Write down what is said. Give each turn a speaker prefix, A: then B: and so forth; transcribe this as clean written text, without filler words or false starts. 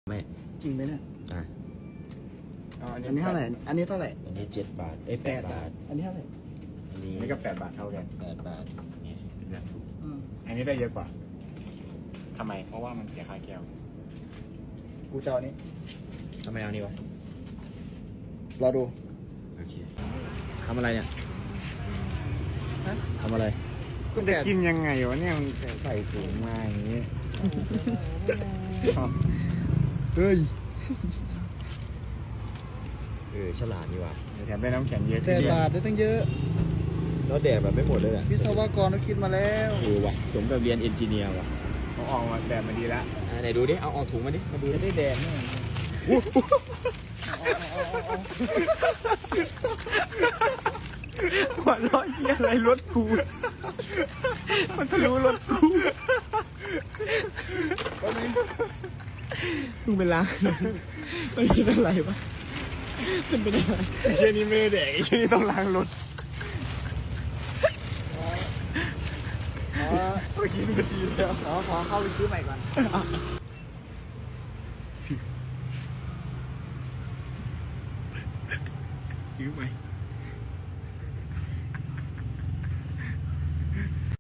A: ไม่
B: จริงไหมเนี่ย
A: อ่ะ
B: อันนี้เท่าไหร่ อันนี้เท่าไหร่
A: อันนี้7 บาท8 บาท
B: อันนี้เท่าไหร่
A: อันนี้
C: นี่ก็8 บาทเท่ากัน
A: 8 บาทนี่เป็นแบบถูก
B: อืม
C: อันนี้ได้เยอะกว่าทำไมเพราะว่ามันเสียค่าแก้ว
B: กูจะเอาอันนี้
A: ทำไมเอานี่วะ
B: รอดู
A: โอเคทำอะไรเนี่ย
B: ฮะ
A: ทำอะไร
B: ก็
C: จะ
B: แดด
C: กินยังไงวะเนี่ยมันใส่ถุงมาอย่างนี้
B: เฮ้ย
A: ฉลาดนี่ว่ะ
C: แถมได้น้ำแข็งเยอะ
B: 8 บาทได้ตั้งเยอะ
A: แล้วแดกแบบไม่หมดเลยอ่ะ
B: วิศวกรเขาคิดมาแล้ว
A: ว่ะสมกับเรียนเอนจิเนียร์ว่ะ
C: เขาออกมาแบบมาดีแล้ว
A: ไหนดูดิเอาออกถุงมาดิมาดู
B: จะ
A: ดิ
B: ได้แดดเนี่ย
C: หัวร้อนเยี่ยอะไรรถกูมันทะลุรถกู
A: มึงเป็นล้างมันเป็นอะไรวะมันเป็นอะไร
C: ไอ้เช่นนี้ไม่ได้แดกไอ้เช่นนี้ต้องล้างรถเมื่อกี้มันดีแล้ว
B: ขอเข้าไปซื้อใหม่ก่อน
C: ซื้อไหม